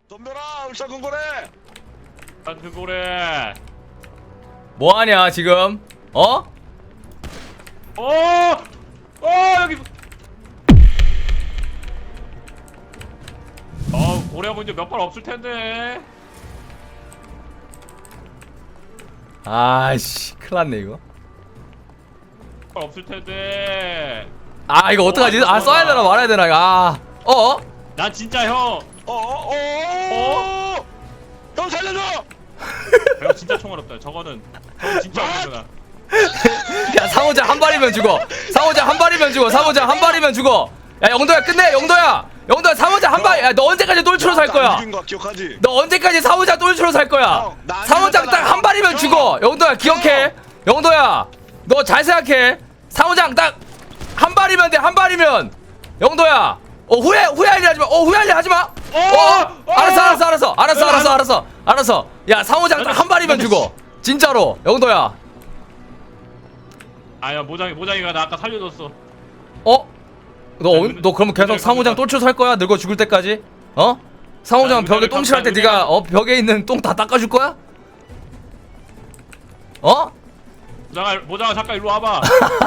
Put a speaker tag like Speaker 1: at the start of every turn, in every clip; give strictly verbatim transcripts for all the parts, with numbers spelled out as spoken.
Speaker 1: 덤벼라 울산군고래.
Speaker 2: 울산군고래.
Speaker 3: 뭐하냐 지금? 어?
Speaker 2: 어! 어 여기. 어 고래하고 이제 몇 발 없을 텐데.
Speaker 3: 아이씨 큰일났네 이거.
Speaker 2: 몇 발 없을 텐데.
Speaker 3: 아 이거 어떡하지? 아 써야 되나 말아야 되나? 아 어?
Speaker 2: 난 진짜 형.
Speaker 1: 어어어.
Speaker 2: 어?
Speaker 1: 형 살려줘.
Speaker 2: 형 진짜 총알 없다. 저거는 저건 진짜 없구나.
Speaker 3: 야 상호장 한 발이면 죽어. 상호장 한 발이면 죽어. 상호장 한 발이면 죽어. 야 영도야 끝내. 영도야. 영도야 상호장 한 발. 야 너 언제까지 똘추로 살 거야?
Speaker 1: 이긴 거 기억하지?
Speaker 3: 너 언제까지 상호장 똘추로 살 거야?
Speaker 1: 형, 나안
Speaker 3: 상호장 딱
Speaker 1: 이겼잖아.
Speaker 3: 한 발이면
Speaker 1: 형.
Speaker 3: 죽어. 영도야 기억해. 영도야 너 잘 생각해. 상호장 딱 한 발이면 돼. 한 발이면. 영도야. 어 후회 후회하려 하지 마. 어 후회하려 하지 마. 어, 어 알았어 알았어 알았어 알았어 알았어 알았어 알았어. 야 상호장 딱 한 발이면 죽어. 진짜로 영도야.
Speaker 2: 아야 모장이 모장이가 나 아까 살려줬어.
Speaker 3: 어? 너, 어, 너 그러면 계속 상호장 똘추 살 거야? 늙어 죽을 때까지? 어? 상호장 벽에 똥칠할 때 네가 어 벽에 있는 똥 다 닦아줄 거야? 어?
Speaker 2: 모장아 모장아 잠깐 일로 와봐.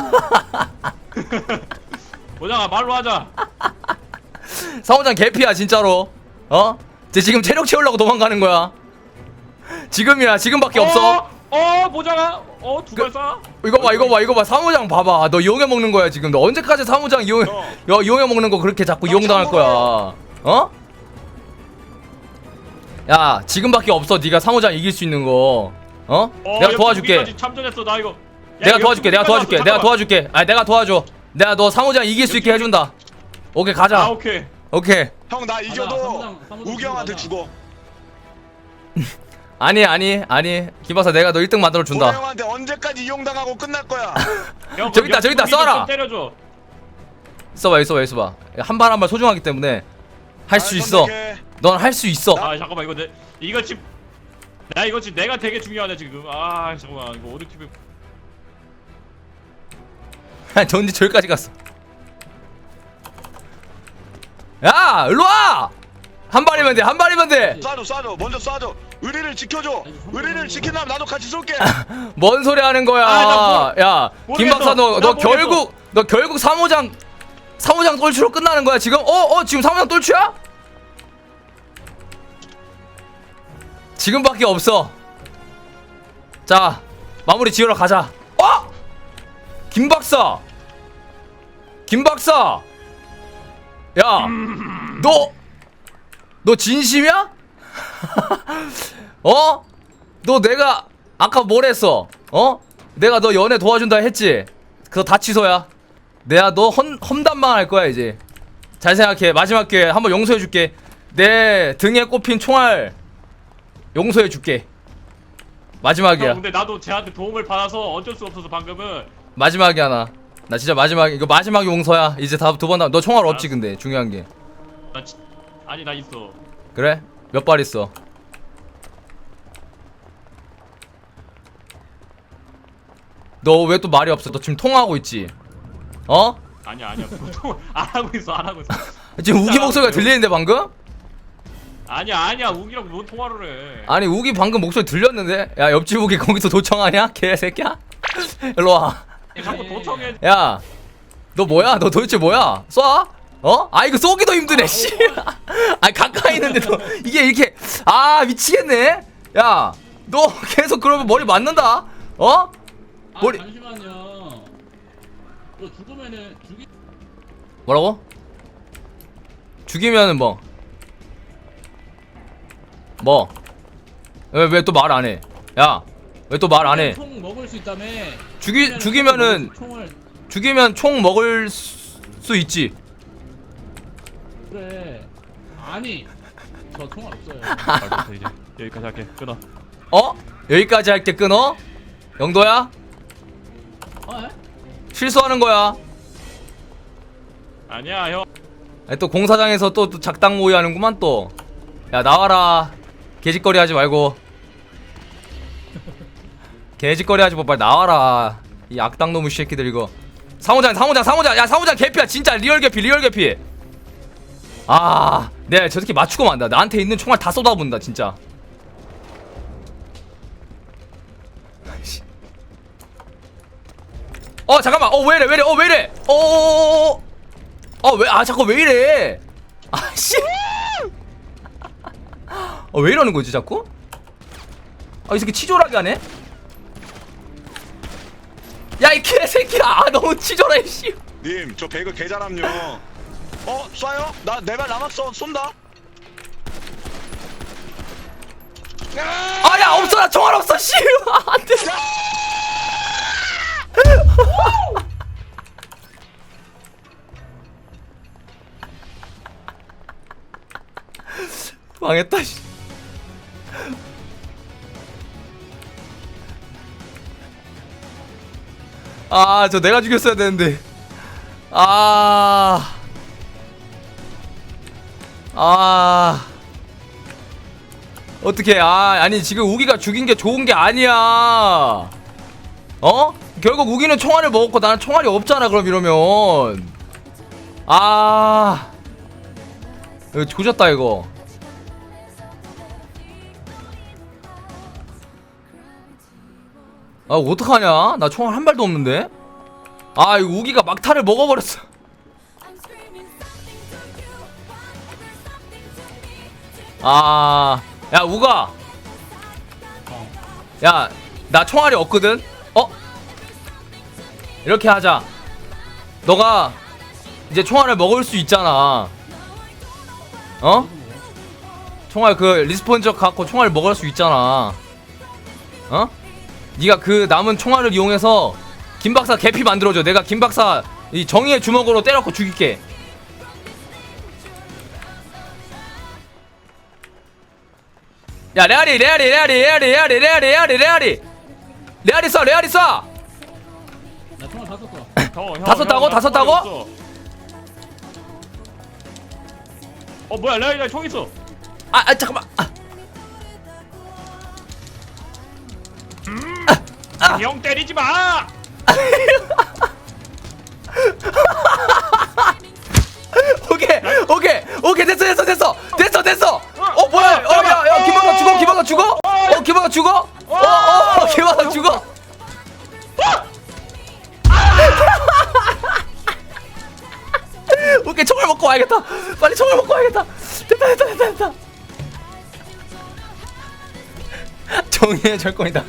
Speaker 2: 모장아 말로 하자.
Speaker 3: 상호장 개피야 진짜로. 어? 쟤 지금 체력 채우려고 도망가는 거야. 지금이야 지금밖에 없어.
Speaker 2: 어 모장아 어 두 발 쏴.
Speaker 3: 이거 봐 이거 봐 이거 봐 상호장 봐봐. 너 이용해 먹는 거야 지금. 너 언제까지 상호장 이용 여 이용해 먹는 거 그렇게 자꾸 이용당할 거야. 어? 야 지금밖에 없어. 네가 상호장 이길 수 있는 거. 어?
Speaker 2: 어,
Speaker 3: 내가 도와줄게.
Speaker 2: 여기까지 참전했어 나 이거. 야,
Speaker 3: 내가
Speaker 2: 이거
Speaker 3: 도와줄게. 내가
Speaker 2: 여기까지
Speaker 3: 도와줄게.
Speaker 2: 왔어,
Speaker 3: 내가
Speaker 2: 잠깐만.
Speaker 3: 도와줄게. 아 내가 도와줘. 내가 너 상호장 이길 수 있게 해준다. 오케이 가자.
Speaker 2: 아 오케이.
Speaker 3: 오케이.
Speaker 1: 형 나 이겨도
Speaker 4: 사무장, 사무장
Speaker 1: 우기 형한테
Speaker 4: 가자.
Speaker 1: 죽어.
Speaker 3: 아니 아니 아니 김박사 내가 너 일 등 만들어
Speaker 1: 고래
Speaker 3: 준다.
Speaker 1: 형한테 언제까지 이용당하고 끝날 거야.
Speaker 2: 형,
Speaker 3: 저기 있다,
Speaker 2: 그
Speaker 3: 저기 있다,
Speaker 2: 여기 좀
Speaker 3: 쏴라.
Speaker 2: 때려줘.
Speaker 3: 있어봐 있어봐 있어봐. 한 발 한 발 소중하기 때문에 할 수
Speaker 1: 아,
Speaker 3: 있어.
Speaker 1: 선택해.
Speaker 3: 넌 할 수 있어.
Speaker 2: 아 잠깐만 이거 내 이거 지금 나 이거 지금 내가 되게 중요하네 지금. 아 잠깐만 이거 어느 팀에
Speaker 3: 전지 저기까지 갔어. 야 일로 와. 한 발이면 돼. 한 발이면 돼.
Speaker 1: 쏴줘 쏴줘 먼저 쏴줘. 의리를 지켜줘. 의리를 지킨다면 나도 같이 쏠게.
Speaker 3: 뭔 소리 하는 거야?
Speaker 2: 아, 나
Speaker 3: 야, 김
Speaker 2: 모르겠어.
Speaker 3: 박사 너,
Speaker 2: 나
Speaker 3: 너
Speaker 2: 모르겠어.
Speaker 3: 결국 너 결국 삼호장 삼호장 똘추로 끝나는 거야 지금? 어, 어, 지금 삼호장 똘추야? 지금밖에 없어. 자, 마무리 지으러 가자. 어? 김 박사, 김 박사, 야, 너, 너 진심이야? 어? 너 내가 아까 뭘 했어? 어? 내가 너 연애 도와준다 했지? 그거 다 취소야. 내가 너 험, 험담만 할 거야 이제. 잘 생각해. 마지막 기회 한번 용서해 줄게. 내 등에 꼽힌 총알 용서해 줄게. 마지막이야.
Speaker 2: 형, 근데 나도 쟤한테 도움을 받아서 어쩔 수 없어서 방금은.
Speaker 3: 마지막이야 나. 나 진짜 마지막 이거 마지막 용서야. 이제 다 두 번 남. 너 총알 없지 근데 중요한 게.
Speaker 2: 나 지, 아니 나 있어.
Speaker 3: 그래? 몇 발 있어? 너 왜 또 말이 없어? 너 지금 통화하고 있지? 어?
Speaker 2: 아니야 아니야 보통 안 하고 있어 안 하고 있어.
Speaker 3: 지금 우기
Speaker 2: 진짜
Speaker 3: 목소리가
Speaker 2: 안 하고
Speaker 3: 들리는데 방금?
Speaker 2: 아니야 아니야 우기랑 뭔 통화를 해.
Speaker 3: 아니 우기 방금 목소리 들렸는데? 야 옆집 우기 거기서 도청하냐? 개새끼야? 일로와.
Speaker 2: 자꾸 도청해.
Speaker 3: 야, 너 뭐야? 너 도대체 뭐야? 쏴? 어? 아 이거 쏘기도 힘드네 씨. 아 가까이 있는데도 이게 이렇게 아 미치겠네. 야, 너 계속 그러면 머리 맞는다. 어?
Speaker 4: 아
Speaker 3: 머리-
Speaker 4: 잠시만요. 너 죽으면은 죽이.
Speaker 3: 뭐라고? 죽이면은 뭐? 뭐? 왜 왜 또 말 안 해? 야, 왜 또 말 안 해?
Speaker 4: 총 먹을 수 있다며.
Speaker 3: 죽이 죽이면은
Speaker 4: 총을
Speaker 3: 죽이면 총 먹을 수, 수 있지.
Speaker 4: 그래. 아니 저 총알 없어요.
Speaker 2: 알겠어 이제 여기까지 할게 끊어.
Speaker 3: 어? 여기까지 할게 끊어? 영도야?
Speaker 4: 어? 에?
Speaker 3: 실수하는 거야.
Speaker 2: 아니야 형.
Speaker 3: 아니, 또 공사장에서 또, 또 작당 모의 하는구만 또. 야 나와라. 개짓거리 하지 말고. 개짓거리 하지 마. 빨리 나와라. 이 악당 놈의 새끼들 이거. 상호장 상호장 상호장. 야 상호장 개피야 진짜 리얼 개피 리얼 개피. 아, 내가 저 새끼 맞추고 만다. 나한테 있는 총알 다 쏟아본다, 진짜. 어, 잠깐만. 어, 왜 이래, 왜 이래, 어, 왜 이래. 어, 어, 어, 어, 왜, 아, 자꾸 왜 이래. 아, 씨. 어, 왜 이러는 거지, 자꾸? 아, 이 새끼 치졸하게 하네? 야, 이 개새끼야. 아, 너무 치졸해, 씨.
Speaker 1: 님, 저 배그 개잘함요. 어, 쏴요? 나 내 발 남았어. 쏜다.
Speaker 3: 아, 야, 없어. 나 총알 없어, 씨. 안 돼. 망했다, 씨. 아, 저 내가 죽였어야 되는데. 아. 아. 어떻게? 아, 아니 지금 우기가 죽인 게 좋은 게 아니야. 어? 결국 우기는 총알을 먹었고 나는 총알이 없잖아. 그럼 이러면. 아. 이거 조졌다 이거. 아, 어떡하냐? 나 총알 한 발도 없는데? 아, 이 우기가 막타를 먹어버렸어. 아, 야, 우가.
Speaker 4: 어.
Speaker 3: 야, 나 총알이 없거든? 어? 이렇게 하자. 너가 이제 총알을 먹을 수 있잖아. 어? 총알 그 리스폰적 갖고 총알 먹을 수 있잖아. 어? 네가 그 남은 총알을 이용해서 김박사 개피 만들어줘. 내가 김박사 이 정의의 주먹으로 때려놓고 죽일게. 야, 레알이 레알이 레알이 레알이 레알이 레알이 레알이 레알이 레알이 쏴 레알이 쏴.
Speaker 4: 나 총알 다 썼어.
Speaker 2: 형, 형,
Speaker 3: 다 썼다고?
Speaker 2: 형,
Speaker 3: 다
Speaker 2: 나
Speaker 3: 썼다고?
Speaker 2: 총알이 없어. 어 뭐야 레알이 나총 있어.
Speaker 3: 아, 아 잠깐만. 아.
Speaker 2: 형 때리지 마.
Speaker 3: 오케이 오케이 오케이 됐어 됐어 됐어 됐어 됐어. 어 뭐야? 어 야 야 김박사 죽어 김박사 죽어? 어 김박사 죽어? 어어 김박사 죽어? 오케이 총알 먹고 와야겠다. 빨리 총알 먹고 와야겠다. 됐다 됐다 됐다 됐다. 정의의 절권이다.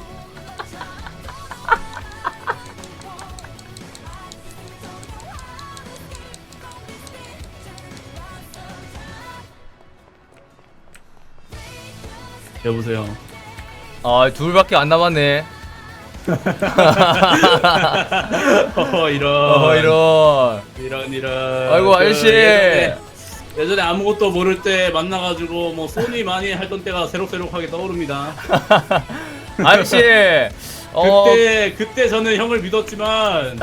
Speaker 4: 여보세요.
Speaker 3: 아, 둘밖에 안 남았네.
Speaker 4: 어 이런.
Speaker 3: 어 이런.
Speaker 4: 이런 이런.
Speaker 3: 아이고,
Speaker 4: 그
Speaker 3: 아저씨.
Speaker 4: 예전에, 예전에 아무것도 모를 때 만나가지고 뭐 손이 많이 했던 때가 새록새록하게 떠오릅니다.
Speaker 3: 아저씨. 어.
Speaker 4: 그때 그때 저는 형을 믿었지만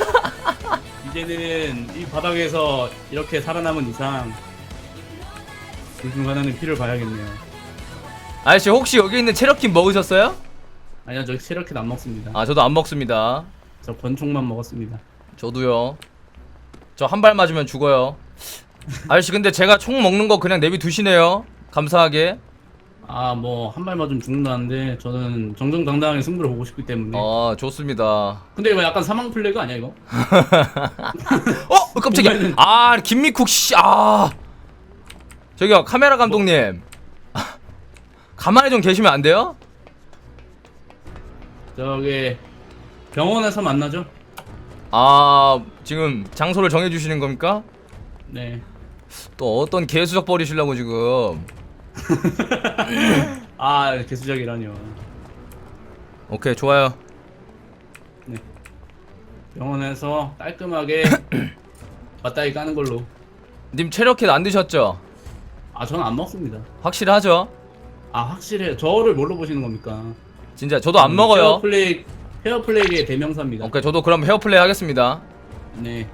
Speaker 4: 이제는 이 바닥에서 이렇게 살아남은 이상 둘중 하나는 피를 봐야겠네요.
Speaker 3: 아저씨 혹시 여기 있는 체력킴 먹으셨어요?
Speaker 4: 아니요, 저 체력킷 안 먹습니다.
Speaker 3: 아, 저도 안 먹습니다.
Speaker 4: 저 권총만 먹었습니다.
Speaker 3: 저도요. 저 한 발 맞으면 죽어요. 아저씨 근데 제가 총 먹는 거 그냥 내비 두시네요. 감사하게.
Speaker 4: 아, 뭐 한 발 맞으면 죽는다는데 저는 정정당당하게 승부를 보고 싶기 때문에.
Speaker 3: 아, 좋습니다.
Speaker 4: 근데 이거 약간 사망 플래그 아니야 이거?
Speaker 3: 어, 깜짝이야.
Speaker 4: 보면은-
Speaker 3: 아, 김미쿡 씨. 아. 저기요, 카메라 감독님. 가만히 좀 계시면 안 돼요?
Speaker 4: 저기 병원에서 만나죠?
Speaker 3: 아, 지금 장소를 정해 주시는 겁니까?
Speaker 4: 네.
Speaker 3: 또 어떤 개수작 버리시려고 지금.
Speaker 4: 아, 개수작이라뇨.
Speaker 3: 오케이, 좋아요.
Speaker 4: 병원에서 깔끔하게 맞다이 까는 걸로.
Speaker 3: 님 체력킷 안 드셨죠?
Speaker 4: 아, 저는 안 먹습니다.
Speaker 3: 확실하죠?
Speaker 4: 아, 확실해요. 저를 뭘로 보시는 겁니까?
Speaker 3: 진짜 저도 안 먹어요.
Speaker 4: 헤어플레이, 헤어플레이의 대명사입니다.
Speaker 3: 오케이, 저도 그럼 헤어플레이 하겠습니다.
Speaker 4: 네.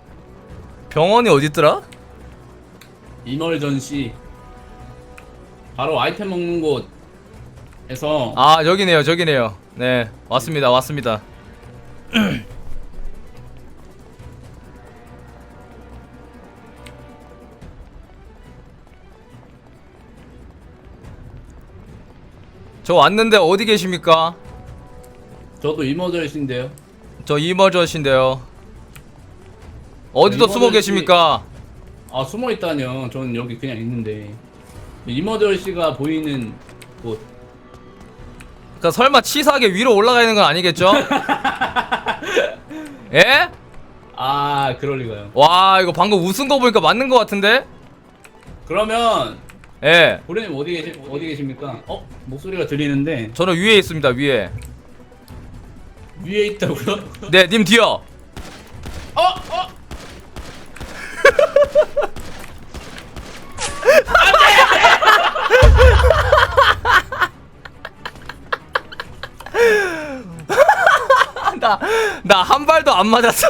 Speaker 3: 병원이 어딨더라?
Speaker 4: 이멀전시. 바로 아이템 먹는 곳에서
Speaker 3: 아 여기네요 저기네요. 네 왔습니다 왔습니다. 저 왔는데 어디 계십니까?
Speaker 4: 저도 이머저이신데요.
Speaker 3: 저 이머저씨인데요. 어디도
Speaker 4: 이머저씨-
Speaker 3: 숨어 계십니까?
Speaker 4: 아 숨어 있다뇨. 저는 여기 그냥 있는데 이머저이씨가 보이는 곳.
Speaker 3: 그러니까 설마 치사하게 위로 올라가 있는 건 아니겠죠? 예?
Speaker 4: 아 그럴 리가요.
Speaker 3: 와 이거 방금 웃은 거 보니까 맞는 거 같은데?
Speaker 4: 그러면
Speaker 3: 예.
Speaker 4: 고래님 어디 계시 어디 계십니까? 어 목소리가 들리는데
Speaker 3: 저는 위에 있습니다 위에.
Speaker 4: 위에 있다고요?
Speaker 3: 네 님 뒤요.
Speaker 4: 어 어.
Speaker 3: 나 나 한 발도 안 맞았어.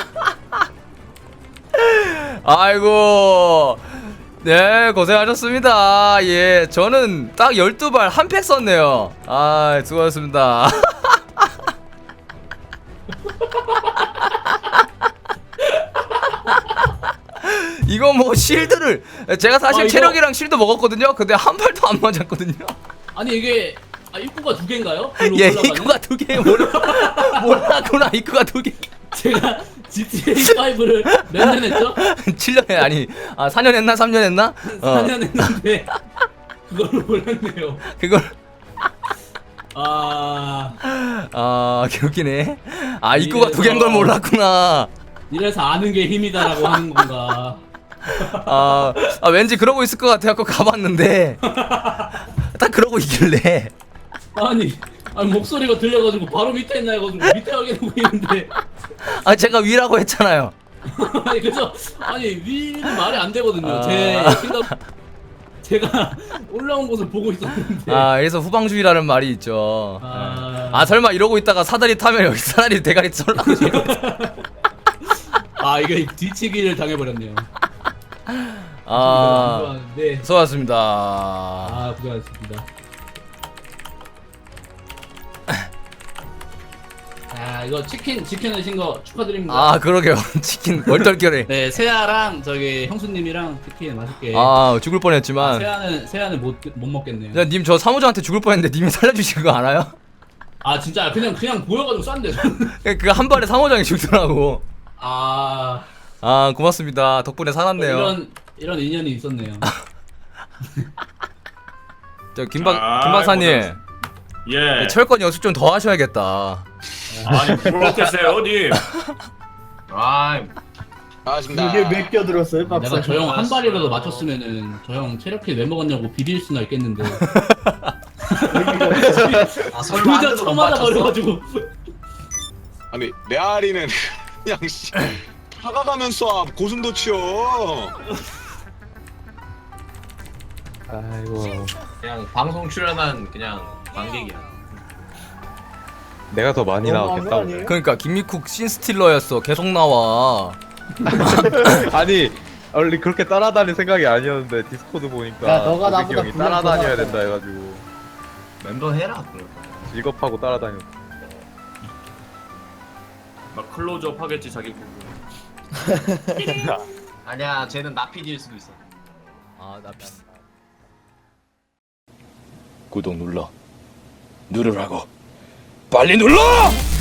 Speaker 3: 아이고. 네, 고생하셨습니다. 예, 저는 딱 열두 발 한 팩 썼네요. 아, 수고하셨습니다. 이거 뭐 실드를 제가 사실
Speaker 4: 아, 이거-
Speaker 3: 체력이랑 실드 먹었거든요. 근데 한 발도 안 맞았거든요.
Speaker 4: 아니 이게 아 입구가 두 개인가요? 글로
Speaker 3: 예,
Speaker 4: 올라가는?
Speaker 3: 입구가 두 개. 몰라, 몰랐구나. 입구가 두 개.
Speaker 4: 제가 지티에이 파이브를 몇 년 했죠?
Speaker 3: 칠 년에 아니 아 사 년 했나 삼 년 했나? 어.
Speaker 4: 사 년 했는데 그걸로 몰랐네요.
Speaker 3: 그걸
Speaker 4: 아
Speaker 3: 아 개웃기네. 아 입구가 두 개인 걸
Speaker 4: 이래서-
Speaker 3: 몰랐구나.
Speaker 4: 이래서 아는 게 힘이다라고 하는 건가?
Speaker 3: 아, 아 왠지 그러고 있을 것 같아갖고 가봤는데 딱 그러고 있길래
Speaker 4: 아니 아니 목소리가 들려가지고 바로 밑에 있나 해가지고 밑에 확인하고 있는데
Speaker 3: 아 제가 위라고 했잖아요.
Speaker 4: 아니 그래서 아니 위는 말이 안 되거든요.
Speaker 3: 아.
Speaker 4: 제 생각 제가 올라온 곳을 보고 있었는데
Speaker 3: 아 그래서 후방주의라는 말이 있죠.
Speaker 4: 아.
Speaker 3: 아 설마 이러고 있다가 사다리 타면 여기 사다리 대가리 썰라고
Speaker 4: 아 이게 뒤치기를 당해버렸네요.
Speaker 3: 아
Speaker 4: 네.
Speaker 3: 수고하셨습니다.
Speaker 4: 아 고생하셨습니다. 아 이거 치킨 지켜내신 거 축하드립니다.
Speaker 3: 아 그러게요. 치킨 얼떨결에.
Speaker 4: 네 세아랑 저기 형수님이랑 치킨 맛있게.
Speaker 3: 아 죽을
Speaker 4: 아,
Speaker 3: 뻔했지만.
Speaker 4: 세아는 세아는 못 못 먹겠네요.
Speaker 3: 야, 님 저 사무장한테 죽을 뻔했는데 님이 살려주신 거 알아요?
Speaker 4: 아 진짜 그냥 그냥 보여가지고 싼데.
Speaker 3: 그 한 발에 사무장이 죽더라고.
Speaker 4: 아
Speaker 3: 아 고맙습니다. 덕분에 살았네요.
Speaker 4: 이런 이런 인연이 있었네요.
Speaker 3: 저 김박
Speaker 2: 아,
Speaker 3: 김박사님
Speaker 2: 예.
Speaker 3: 철권 연습 좀 더 하셔야겠다.
Speaker 2: 아니 그렇겠어요 님.
Speaker 5: 아,
Speaker 1: 반갑습니다.
Speaker 6: 이게 몇 개 들었어요, 박사?
Speaker 4: 내가 저 형 한 발이라도 맞췄으면은 저 형 체력키 왜 먹었냐고 비빌 수나 있겠는데.
Speaker 5: 아 설마
Speaker 4: 둘다
Speaker 5: 안
Speaker 4: 처음 맞아 버려가지고.
Speaker 1: 아니 메아리는 그냥 씨 다가가면 쏴 고슴도치요.
Speaker 6: 아이고,
Speaker 5: 그냥 방송 출연한 그냥 관객이야.
Speaker 6: 내가 더 많이
Speaker 7: 너무한 거
Speaker 6: 나왔겠다.
Speaker 7: 아니에요?
Speaker 3: 그러니까 김미쿡 씬스틸러였어. 계속 나와.
Speaker 6: 아니, 원래 그렇게 따라다닐 생각이 아니었는데 디스코드 보니까
Speaker 7: 야, 너가
Speaker 6: 고백이
Speaker 7: 나보다
Speaker 6: 형이
Speaker 7: 분량
Speaker 6: 따라다녀야
Speaker 7: 더
Speaker 6: 된다 해가지고
Speaker 5: 멤버 해라 그럴
Speaker 6: 직업하고 따라다녔.
Speaker 2: 막 클로즈업 하겠지 자기 보고.
Speaker 5: 아니야, 쟤는 나피디일 수도 있어.
Speaker 3: 아나 비.
Speaker 1: 구독 눌러 누르라고 빨리 눌러.